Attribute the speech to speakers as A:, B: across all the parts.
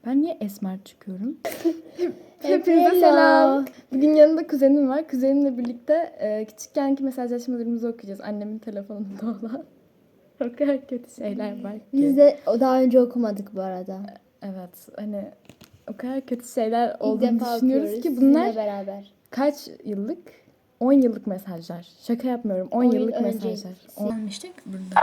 A: Ben niye esmer çıkıyorum? Hepinize selam. Bugün yanında kuzenim var. Kuzenimle birlikte küçükkenki mesajlaşmalarımızı okuyacağız. Annemin telefonunda olan. O kadar kötü şeyler var ki.
B: Biz de daha önce okumadık bu arada.
A: Evet, hani o kadar kötü şeyler
B: İlk
A: olduğunu
B: defa
A: düşünüyoruz
B: okuyoruz
A: ki bunlar
B: sizinle beraber.
A: kaç yıllık? 10 yıllık mesajlar. Şaka yapmıyorum. 10 yıllık
B: önce
A: mesajlar. Almıştık burada.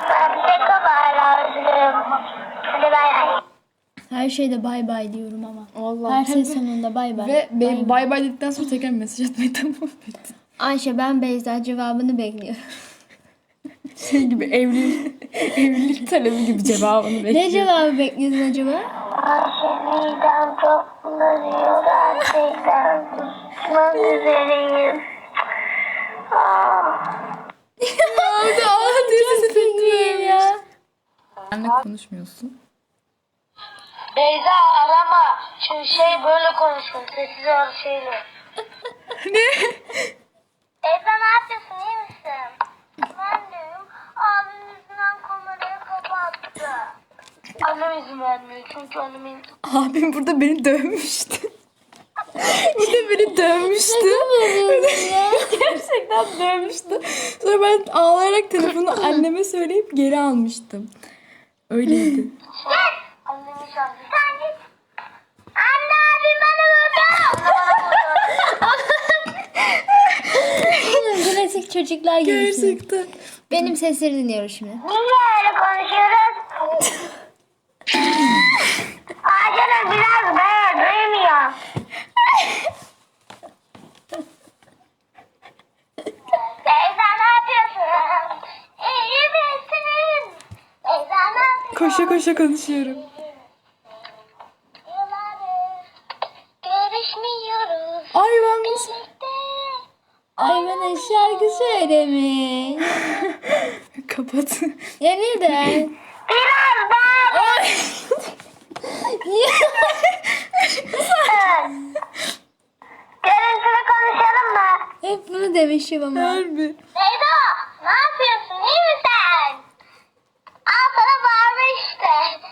B: Her şeyde bay bay diyorum ama.
A: Vallahi.
B: Her şey sonunda bay bay.
A: Ve benim bay bay dedikten sonra tekrar mesaj atmayı tamam ettim.
B: Ayşe ben Beyza cevabını bekliyorum.
A: Şey gibi evlilik talebi gibi cevabını bekliyorum.
B: Ne cevabı bekliyorsun acaba?
C: Midem çok bulanıyor gerçekten. Kusmak üzereyim.
B: Ya.
A: Benle konuşmuyorsun.
C: Beyza arama. Çünkü böyle konuşun. Sessiz ol şeyle.
A: Ne?
C: Beyza ne yapıyorsun? İyi misin? Ben deyim. Abim yüzünden kamerayı kapattı. Annem izin vermiyor. Çünkü annemin...
A: Abim burada beni dövmüştü. burada beni dövmüştü. Gerçekten dövmüştü. Sonra ben ağlayarak telefonu anneme söyleyip geri almıştım. Öyleydi.
C: Annem inşallah. Sen git. Anne abim bana vurdu.
B: Klasik çocuklar gibisin.
A: Gerçekten.
B: Benim sesleri dinliyoruz şimdi.
C: Niye öyle konuşuyoruz? Ağacına biraz duymuyor. Beyza ne yapıyorsun? İyi misin? Beyza ne yapıyorsun?
A: Koşa koşa konuşuyorum.
C: Yıllardır görüşmüyoruz.
A: Ay ben nasıl...
C: Birlikte.
B: Ay bana şarkı söylemiş.
A: Kapat.
B: Ya neden?
C: Biraz daha. Görüntülü konuşalım mı?
B: Hep bunu demişim ama.
A: Harbi.
C: Beyza ne yapıyorsun? İyi misin? Al sana bağırma işte.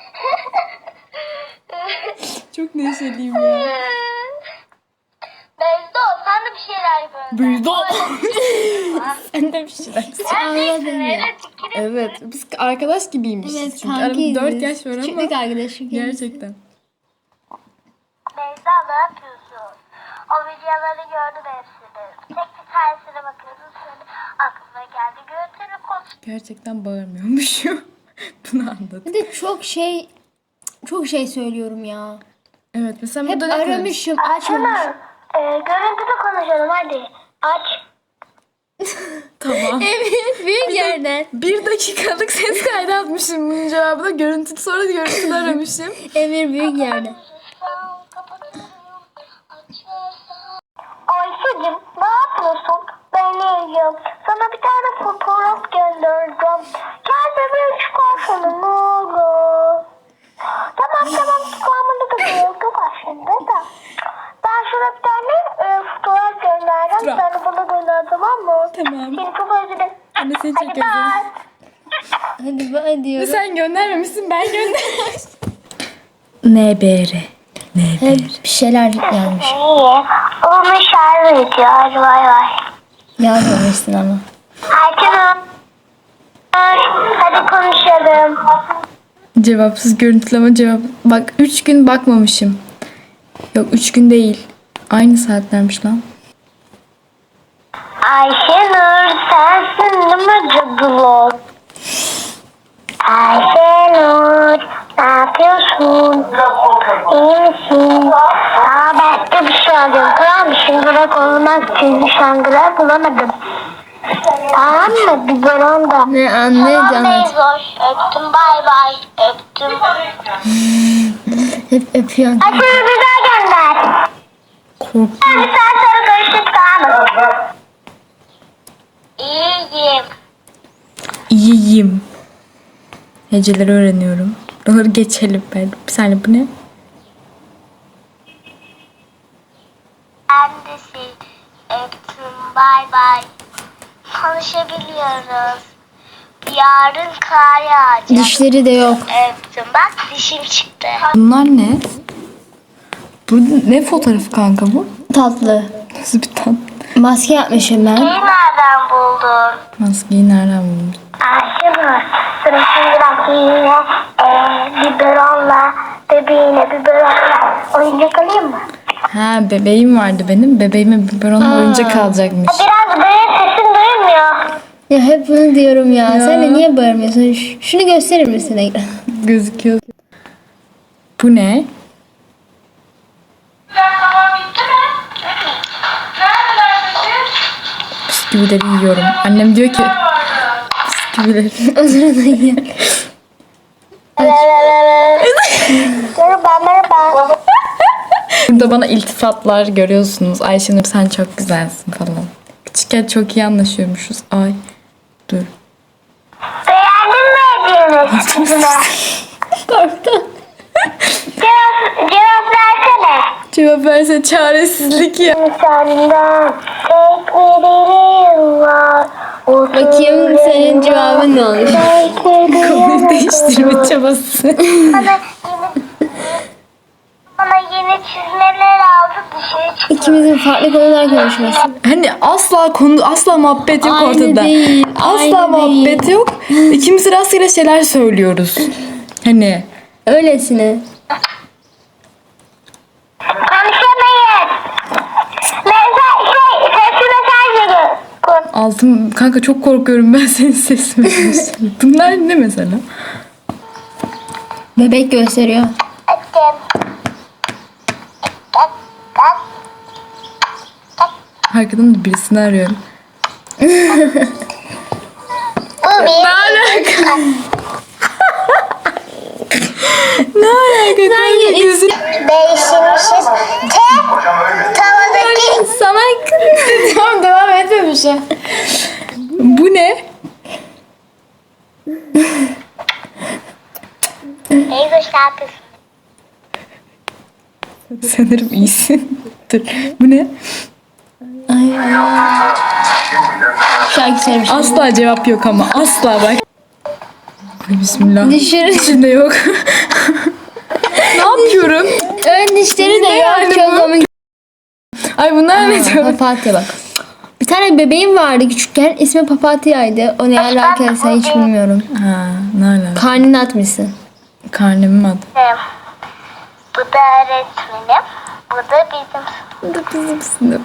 A: Çok neşeliyim ya.
C: Beyza sen de bir şeyler yapıyorsun.
A: Büyüdü. Sen de bir şeyler.
B: Anladın ya.
A: Evet. Biz arkadaş gibiymişiz.
B: Evet
A: çünkü
B: kankiyiz.
A: aramızda 4 yaş var ama.
B: Küçüklük arkadaşım.
A: Gerçekten.
C: Beyza ne yapıyorsun? O videoları gördüm hepsini. Tek bir tanesine bakıyordum. Sonra aklıma geldi. Görüntülü konuş.
A: Gerçekten bağırmıyormuşum. Bunu anladım.
B: Bir de çok şey söylüyorum ya.
A: Evet mesela
B: Hep
A: burada ne kadar-
B: aramışım, açmamış.
C: Görüntülü konuşalım hadi. Aç.
A: Tamam.
B: Evet, büyük yerden.
A: 1 dakikalık ses kaydı atmışım bunun cevabına. Görüntülü sonra görüntülü aramışım.
B: Emir büyük yerden.
C: Ayşe'cim ne yapıyorsun? Ben iyiyim. Sana bir tane fotoğraf göndereceğim. Gel bebeğim çıkarsana ne olur. Tamam çıkarmanı da gerek yok aslında da. Ben sana bir tane fotoğraf göndereceğim.
A: Fotoğraf.
C: Sen de bana gönder tamam mı?
A: Tamam.
C: Seni çok özledim.
A: Anne seni çok
C: Hadi bye.
A: özledim.
B: Hadi bana diyorum.
A: Sen göndermemişsin ben göndermişim. NBR.
B: Hep bir şeyler yazmış.
C: İyi. Onu şarj ediyor. Hadi bay bay.
B: Yazmamışsın ama.
C: Ayşenur. Hadi konuşalım.
A: Cevapsız görüntüleme cevap. Bak 3 gün bakmamışım. Yok 3 gün değil. Aynı saatlermiş lan.
C: Ayşenur sensin değil mi cadılot? Ayşenur ne yapıyorsun? İyi misin? Başka bir şey alacağım tamam mı? Şıngırak olmak için bir şıngırak bulamadım. Tamam mı? Güzel da.
B: Ne anlayacağım.
C: Beyzoş öptüm bay bay öptüm.
B: Hep öpüyorsun.
C: Ayşenur güzel gönder.
A: Korktum.
C: Bir saat sonra görüşürüz tamam mı? İyiyim.
A: İyiyim. Heceleri öğreniyorum. Buraları geçelim ben. Bir saniye bu ne?
C: Ben de öptüm bay bay. Konuşabiliyoruz. Yarın kar yağacak.
B: Dişleri de yok.
C: Öptüm bak dişim çıktı.
A: Bunlar ne? Burada ne fotoğrafı kanka bu?
B: Tatlı.
A: Nasıl bir tane?
B: Maske yapmışım ben.
C: Nereden buldun?
A: Maskeyi nereden buldun?
C: Ayşenur, sana şimdi bak yine biberonla, bebeğine biberonla oyuncak alayım mı?
A: Ha, bebeğim vardı benim. Bebeğime biberonla oyuncak alacakmış.
C: Biraz böyle sesin duymuyor.
B: Ya hep bunu diyorum ya. Sen de niye bağırmıyorsun? Şunu gösterir misin Ekrem?
A: Gözüküyor. Bu ne? Bisküvileri yiyorum. Annem diyor ki bisküvileri.
B: O sırada ya.
C: Merhaba.
A: Burada bana iltifatlar görüyorsunuz. Ayşenur sen çok güzelsin falan. Küçükken çok iyi anlaşıyormuşuz. Ay dur.
C: Beğendin mi hediyemi?
B: Korktum.
C: Cevap versene.
A: Cevap verse çaresizlik ya.
C: Senden tek bir dileğim var.
B: Bakayım senin cevabın ne olmuş?
A: Konuyu değiştirme çabası.
C: Bana yeni çizmeler aldı dışarı çıktı.
B: İkimizin farklı konular konuşması.
A: Hani asla muhabbet yok
B: Aynı
A: ortada.
B: değil,
A: Asla
B: aynı
A: muhabbet
B: değil.
A: yok. İkimiz rastgele şeyler söylüyoruz. Hani
B: Öylesine.
C: Konuşamayız. Sesli mesaj geliyor.
A: altım kanka çok korkuyorum ben senin sesini. Bunlar ne mesela?
B: Bebek gösteriyor.
A: Arkadan da birisini arıyorum.
C: Bu bir.
A: Ne alaka? Ne alaka? Kanka gözün...
C: Değişmişiz. Tavadaki
B: Sana tamam devam etmemişim.
A: Bu ne?
C: Eyzoş ne yapıyorsun?
A: Sanırım iyisin. Dur. Bu ne?
B: Şarkı söylemiş.
A: Asla cevap yok ama. Asla bak. Ay bismillah.
B: Dişleri,
A: İçinde yok. Ne yapıyorum?
B: ön dişleri de
A: Ne
B: yok.
A: yani
B: Çok
A: bu?
B: komik.
A: Ay bunlar ne diyor?
B: Papatya bak. Bir tane bebeğim vardı küçükken. İsmi Papatya'ydı. O ne alakaysa hiç bilmiyorum.
A: Ha, ne alaka?
B: Karnını atmışsın.
A: Karnemin adı.
C: Bu da öğretmenim. Bu da bizim.
A: Bu da bizim sınıf.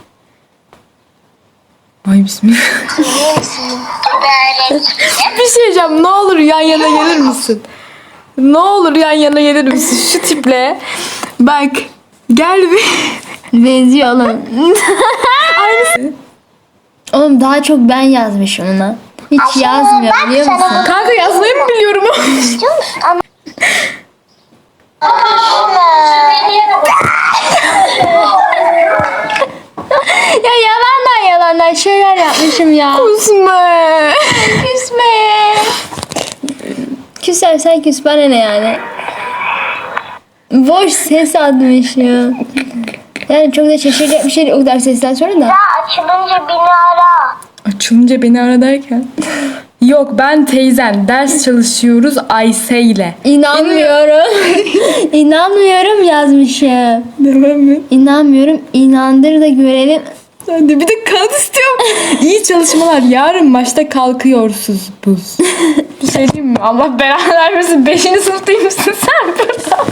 A: Ay bismillah.
C: Bu da öğretmenim.
A: Bir şey diyeceğim. Ne olur yan yana gelir misin? Ne olur yan yana gelir misin? Şu tiple. Bak. Gel bir.
B: Benziyor oğlum.
A: Aynısı.
B: Oğlum daha çok ben yazmışım ona. Hiç yazmıyor biliyor musun?
A: Kanka yazmayı mı biliyorum?
C: İstiyor musun? Ama...
B: Ya yalandan şeyler yapmışım ya.
A: Kusma.
B: Küsme. Küsersen küs bana ne yani. Boş ses atmış ya. Yani çok da şaşıracak bir şey değil o kadar sesten sonra da.
C: Ya açılınca beni ara.
A: Açılınca beni ara derken. Yok ben teyzen. Ders çalışıyoruz Ayse ile.
B: İnanmıyorum. İnanmıyorum yazmışım.
A: Devam et.
B: İnanmıyorum. İnandır da görelim.
A: Hadi bir de kağıt istiyorum. İyi çalışmalar. Yarın maçta kalkıyorsunuz buz. Bir şey diyeyim mi? Allah belanı vermesin. 5. sınıftaymışsın sen burada.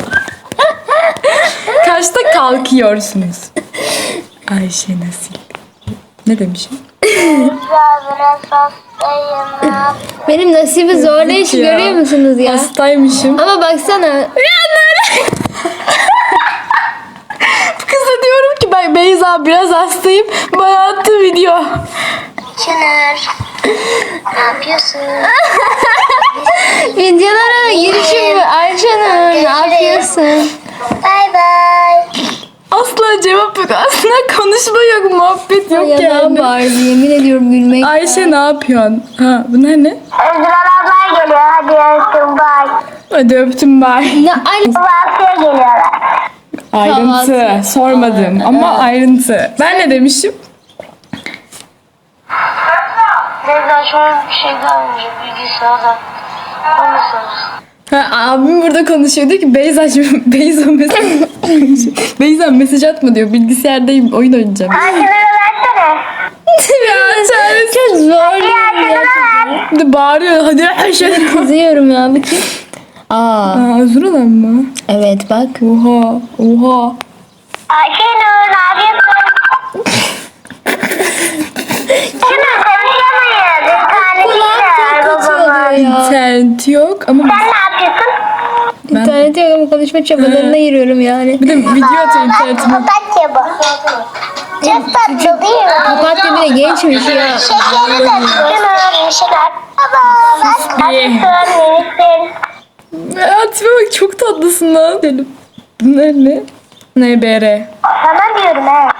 A: Kaçta kalkıyorsunuz? Ayşe Nasil. Ne demişim?
C: Biraz hastayım.
B: Benim nasibi zorlayışı
A: Ya.
B: görüyor musunuz ya?
A: Hastaymışım.
B: Ama baksana.
A: Kıza diyorum ki ben Beyza biraz hastayım. Bana attı video.
C: Çınar. Ne yapıyorsun?
B: Videolara girişim mi? Ayşenur ne yapıyorsun?
C: Bay bay.
A: Asla cevap yok. Asla konuşma yok. Muhabbet yok
B: Yalan
A: yani.
B: bağırdı yemin ediyorum gülmek.
A: Ayşe ne yapıyorsun? Ha bunlar ne?
C: Özgür abla geliyor. Hadi öptüm bay.
A: Hadi öptüm bye.
B: Ne aynı
C: Kahvaltıya geliyorlar.
A: Ayrıntı.
B: Kahvaltı.
A: Sormadım ama ayrıntı. Ben ne demişim?
C: Neden şöyle bir şey gelmiş bilgisayarda. Konuşuruz.
A: Ha, abim burada konuşuyor diyor ki Beyza mesela Beyza mesaj atma diyor. Bilgisayardayım, oyun oynayacağım.
C: Antenini versene.
A: Ya çare
B: Çok zor
C: Antenini
B: ya.
C: ver.
A: de bağırıyor. Hadi her şey.
B: Kızıyorum ya bakayım. Aa
A: Özür dilerim mı?
B: evet bak.
A: Oha.
C: Ayşenur ne yapıyorsun? Şimdi konuşamayız. İnternetler babamın.
A: İnternet yok ama
C: Sen ne yapıyorsun?
B: İnternet yok ama konuşma çabalarına giriyorum yani.
A: bir de video atıyor internetime.
C: Papatya bu. Çok tatlı değil mi?
B: Papatya bile gençmiş ya.
C: Şekeri de şeker. Baba bak.
A: Ye.
C: Miniksin.
A: Atime bak çok tatlısın lan. Dedim. Bunlar ne? NBR.
C: Sana diyorum he.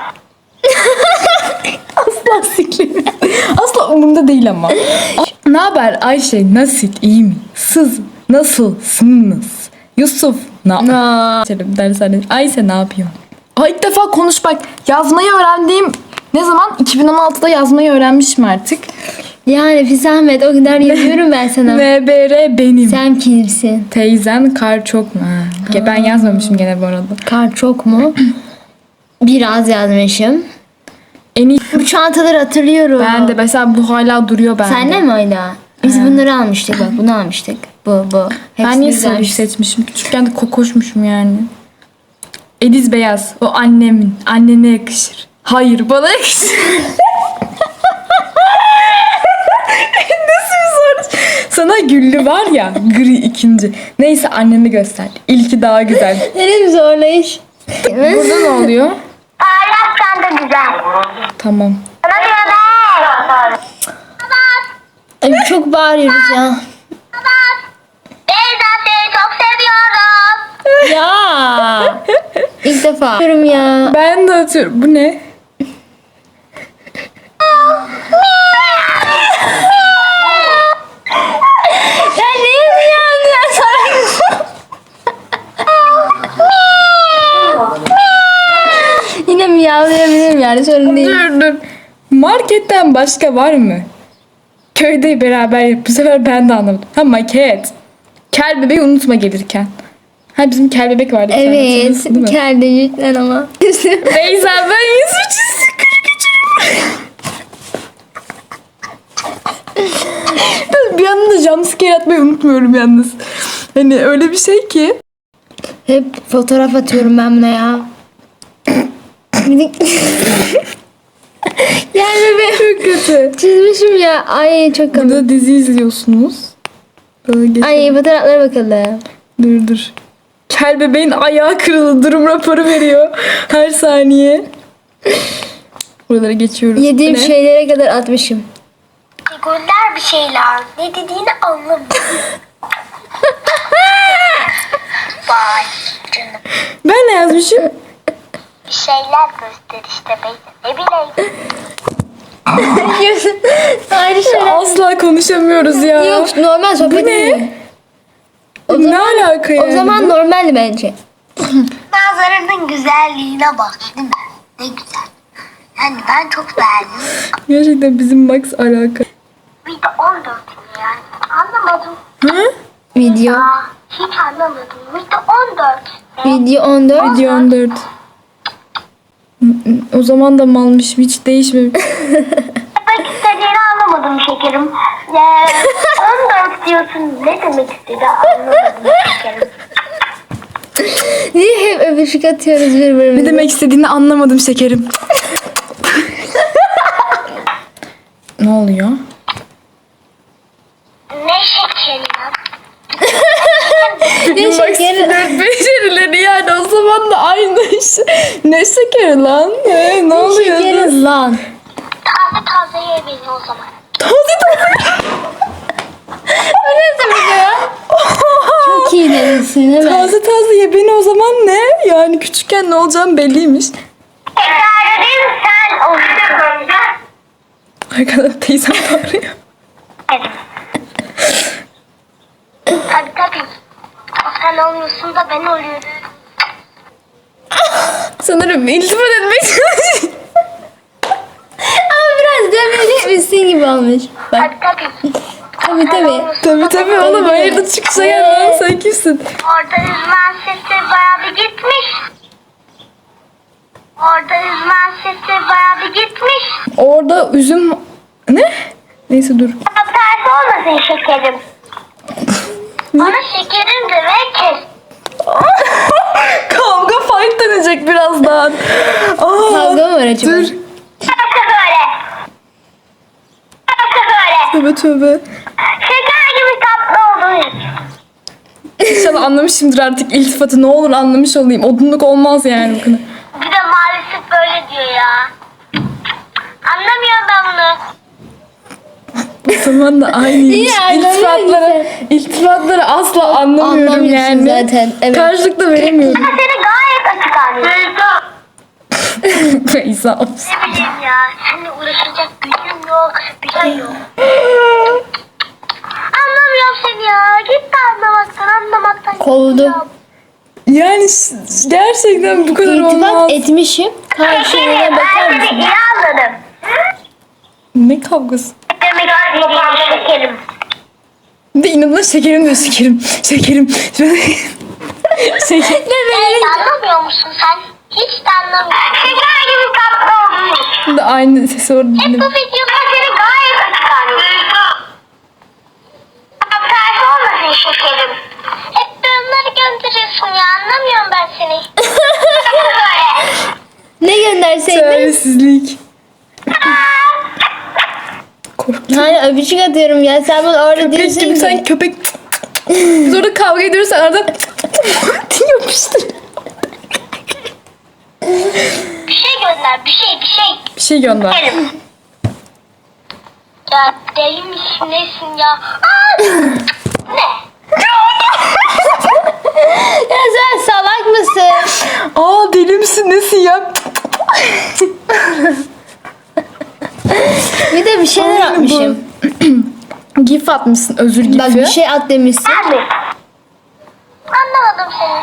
A: Asla siklim. Asla umurumda değil ama. Ne haber Ayşe? Nasıl? İyi mi? Siz nasılsınız? Yusuf ne yapıyorsun? Dershane. Ayşe ne yapıyor? İlk defa konuş bak. Yazmayı öğrendiğim ne zaman? 2016'da yazmayı öğrenmişim artık.
B: Yani bir zahmet o kadar yazıyorum ben sana.
A: NBR benim.
B: Sen kimsin?
A: Teyzen kar çok mu? Ha. Ben yazmamışım gene bu arada.
B: Kar çok mu? Biraz yazmışım.
A: En iyi.
B: Bu çantaları hatırlıyorum.
A: Ben de mesela bu hala duruyor bende.
B: Sende mi hala? Biz bunları almıştık bak bunu almıştık. Bu.
A: Ben
B: Hepsini
A: niye
B: güzelmiş.
A: sarı seçmişim? Küçükken de kokoşmuşum yani. Ediz beyaz. O annemin. Annene yakışır. Hayır bana yakışır. Nasıl bir soru? Sana güllü var ya gri ikinci. Neyse anneni göster. İlki daha güzel.
B: Benim zorlayış.
A: Burada ne oluyor?
C: Parlaktan da güzel.
A: Tamam.
C: Sana diyorum he.
B: Ay çok bağırıyoruz ya.
C: Beyza seni çok seviyorum.
B: Ya. İlk defa. Diyorum ya.
A: Ben de atıyorum. Bu ne?
B: Ya niye miyavlıyorsun? Yine miyavlayabilirim yani sorun değil.
A: Dur. Marketten başka var mı? Köyde beraber bu sefer ben de anlamadım. Ha maket. Kel bebeği unutma gelirken. Ha bizim kel bebek vardı. bir tane,
B: Evet.
A: hatırlıyorsun değil mi?
B: Keldecikler ama.
A: Beyza ben 103 bir anda da jumpscare atmayı unutmuyorum yalnız. Hani öyle bir şey ki.
B: Hep fotoğraf atıyorum ben buna ya. Yani bebeğim
A: Çok kötü.
B: çizmişim ya. Ay çok komik.
A: Burada dizi izliyorsunuz. Böyle geçelim.
B: Ay fotoğraflara bakalım.
A: Dur. Kel bebeğin ayağı kırıldı. Durum raporu veriyor. Her saniye. Buralara geçiyoruz.
B: Yediğim
A: Bu ne?
B: şeylere kadar atmışım.
C: Figürler bir şeyler. Ne dediğini anlamıyorum. Vay canım.
A: Ben ne yazmışım?
C: Bir şeyler göster işte Beyza. Ne bileyim.
B: Ayrı şeyler.
A: Asla konuşamıyoruz ya.
B: Yok normal sohbet
A: Bu ne?
B: değil.
A: Ne alaka yani?
B: O zaman normaldi bence.
C: Manzaranın güzelliğine bak değil mi? Ne güzel. Yani ben çok beğendim.
A: Gerçekten bizim Max alaka.
C: Bir de 14 yani. Anlamadım.
A: Hı?
B: Video.
C: Hiç anlamadım. Bir de 14.
B: Video 14.
A: Video 14. O zaman da malmışım hiç değişmemiş.
C: Demek istediğini anlamadım şekerim. 14 diyorsun. Ne demek istedi anlamadım şekerim.
B: Niye hep öpüşük atıyoruz birbirimize?
A: Ne demek istediğini anlamadım şekerim. Ne oluyor?
C: Ne şekerim?
B: Ne şekeri?
A: Flört becerileri yani o zaman da aynı şey. Ne şekeri lan? Ne oluyor?
B: Şekeri lan.
C: Taze taze ye beni o zaman.
B: O ne demek ya? Çok iyi demişsin değil mi?
A: Taze ye beni o zaman ne? Yani küçükken ne olacağım belliymiş.
C: Tekrar edeyim sen olsun.
A: Arkadan teyzem bağırıyor.
C: Evet. Tabii. O sen olmuyorsun da ben oluyorum.
A: Sanırım iltifat etmeye çalışıyor.
B: Ama biraz demeyecekmişsin gibi olmuş. Bak
C: Tabii.
A: Tabii oğlum hayırdır çıkışa gel lan sen kimsin?
C: Orada yüzmen sesi bayağı bir gitmiş. gitmiş.
A: Orada üzüm... Ne? Neyse dur.
C: Tersi olmasın şekerim. Bana şekerim de ver kes.
A: Kavga fight dönecek birazdan. Aa,
B: Kavga mı var acaba?
A: dur.
C: Nasıl böyle? Nasıl böyle?
A: Tövbe tövbe.
C: Şeker gibi tatlı olduğu için.
A: İnşallah anlamışımdır artık iltifatı. Ne olur anlamış olayım. Odunluk olmaz yani. Bakın.
C: Bir de maalesef böyle diyor ya. Anlamıyorum ben bunu.
A: O zaman da aynıymış.
B: İyi, anlamıyorum
A: İltifatları asla anlamıyorum
B: Anlamıyorsun
A: yani.
B: zaten, evet.
A: Karşılıklı veremiyorum.
C: Ben seni gayet açık anlıyorum.
A: Feyza olsun.
C: Ne bileyim ya. Seninle uğraşacak gücüm yok. Bir şey yok. Anlamıyorum seni ya. Git de anlamaktan.
B: Kovdum.
C: gidiyorum.
A: Yani gerçekten bu kadar
B: İltifat
A: olmaz.
B: etmişim. Karşılığına bakar
C: Ben seni
B: mısın?
C: iyi anladım.
A: Ne kavgası?
C: Demek istediğim şekerim.
A: Bir de inadına şekerim diyor şekerim. Şekerim. Şeker.
C: Evet, anlamıyor musun sen? Hiç de anlamıyorsun. Şeker gibi tatlı olmuş.
A: Şimdi aynı sesi orada
C: Hep bu
A: dinledim.
C: videoda seni gayet açık anlıyorum. Tersi olmasın şekerim. Hep yorumları gönderiyorsun ya. Anlamıyorum ben seni. Böyle.
B: Ne gönderseydin?
A: Çaresizlik. Korktum.
B: Hani öpücük atıyorum ya. Sen bunu orada
A: Köpek
B: diyorsun
A: gibi
B: ki.
A: sen köpek. Biz orada kavga ediyoruz sen arada yapıştır.
C: Bir şey gönder. Bir şey.
A: Bir şey gönder.
C: Şekerim. Ya deli misin nesin ya? Aa! Ne?
B: Ya sen salak mısın?
A: Aa deli misin nesin ya?
B: Bir de bir şeyler
A: Aynı bu.
B: atmışım.
A: Gif atmışsın özür gifi.
B: Bak bir şey at demişsin.
C: Ben mi? Anlamadım seni.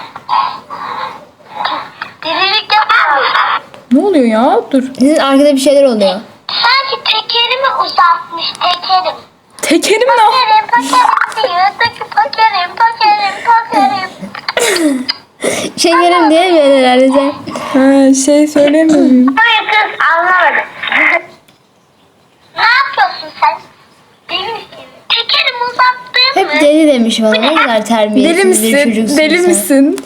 C: Delilik yapar mısın?
A: Ne oluyor ya? Dur.
B: Sizin arkada bir şeyler oluyor.
C: Sanki tekerimi uzatmış tekerim.
A: Tekerim ne?
C: Pakerim diyor. Pakerim.
B: Şekerim diye mi herhalde sen?
A: Ha, şey söylemiyorum.
C: Hayır kız anlamadım. Ne yapıyorsun sen? Deli misin? Tekerimi uzattın mı?
B: Hep deli demiş bana. Ne kadar terbiyesiz
A: Deli
B: bir
A: misin?
B: çocuksun
A: Deli
B: sen.
A: misin?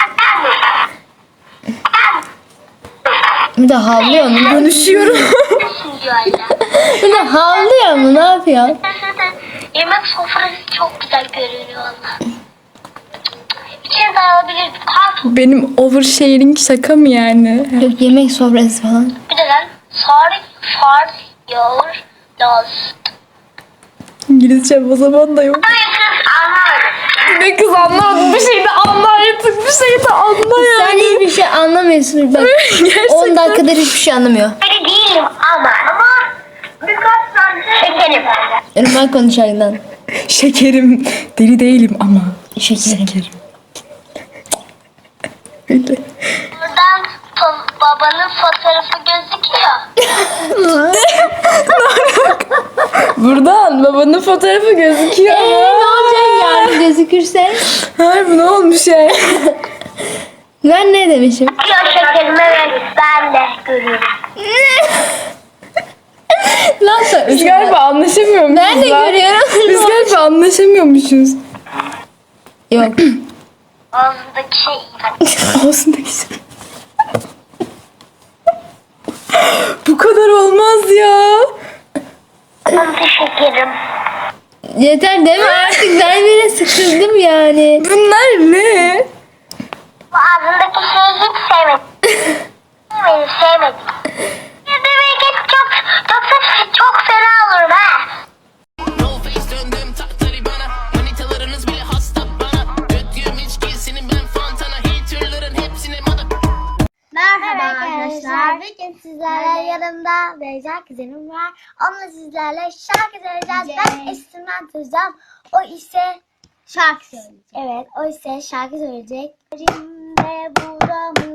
B: Bir de havlıyor mu?
A: Konuşuyorum.
C: diyor hala.
B: Bir de havlıyor mu? Ne yapıyor?
C: Yemek sofrası çok güzel görünüyor valla. İçine de alabilirdik. Kalk.
A: Benim oversharing şaka mı yani?
B: Yok yemek sofrası falan.
C: Bir de lan far your nose.
A: İngilizce o zaman da yok.
C: Hayır kız anlamadım.
A: Ne kız anlamadım. Bir şey de anla artık. Bir şey de anla
B: Sen
A: yani.
B: hiçbir şey anlamıyorsun. Bak
A: Gerçekten.
B: 10 dakikadır hiçbir şey anlamıyor.
C: Öyle değilim ama. Birkaç tane şekerim.
B: Irmak konuşardan.
A: Şekerim. Deli değilim ama.
B: Şekerim.
A: Öyle.
C: Buradan babanın fotoğrafı gözüküyor.
A: Buradan babanın fotoğrafı gözüküyor.
B: Ne olacak yani gözükürse?
A: Harbi ne olmuş yani?
B: Ben ne demişim?
C: Diyor şekerim evet ben de görüyorum.
B: Lan sen
A: Biz galiba anlaşamıyormuşuz.
B: Ben de
A: lan.
B: görüyorum.
A: Biz galiba anlaşamıyormuşuz.
B: Yok.
C: Ağzındaki şey.
A: Ağzındaki şey. Bu kadar olmaz ya.
C: Şekerim.
B: Yeter deme artık ben bile sıkıldım yani.
A: Bunlar ne?
C: Bu ağzındaki şeyi hiç sevmedim. sevmedim. Yemeğe geç çok fena olurum ha.
D: No face döndüm tahtları bana manitalarınız bile hasta bana Götüğüm içkisini ben fantana Haterların hepsine mada
C: Merhaba arkadaşlar. Bugün sizlerle yanımda Beyza kuzenim var. Onunla sizlerle şarkı söyleyeceğiz. Ben enstrüman çalacağım. O ise şarkı söyleyecek. Evet, o ise şarkı söyleyecek. Elimde buramı